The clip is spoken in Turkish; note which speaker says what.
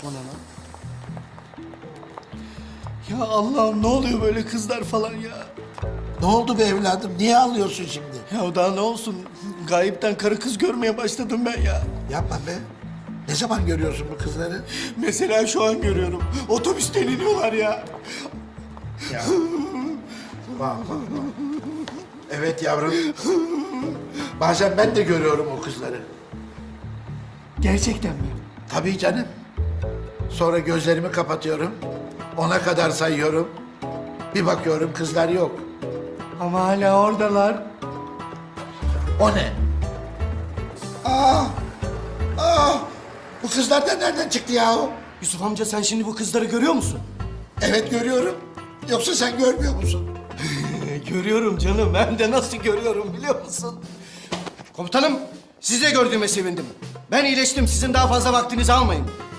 Speaker 1: O ne lan? Ya Allah'ım ne oluyor böyle kızlar falan ya?
Speaker 2: Ne oldu be evladım? Niye ağlıyorsun şimdi?
Speaker 1: Ya daha ne olsun? Gayipten karı kız görmeye başladım ben ya.
Speaker 2: Yapma be. Ne zaman görüyorsun bu kızları?
Speaker 1: Mesela şu an görüyorum. Otobüsten iniyorlar ya.
Speaker 2: Ya. Bak. Evet yavrum. Bazen ben de görüyorum o kızları.
Speaker 1: Gerçekten mi?
Speaker 2: Tabii canım. Sonra gözlerimi kapatıyorum. 10'a kadar sayıyorum. Bir bakıyorum kızlar yok.
Speaker 1: Ama hala oradalar.
Speaker 2: O ne? Aa! Aa! Bu kızlar da nereden çıktı yahu?
Speaker 1: Yusuf amca sen şimdi bu kızları görüyor musun?
Speaker 2: Evet görüyorum. Yoksa sen görmüyor musun?
Speaker 1: Görüyorum canım. Hem de nasıl görüyorum biliyor musun? Komutanım, sizi de gördüğüme sevindim. Ben iyileştim. Sizin daha fazla vaktinizi almayın.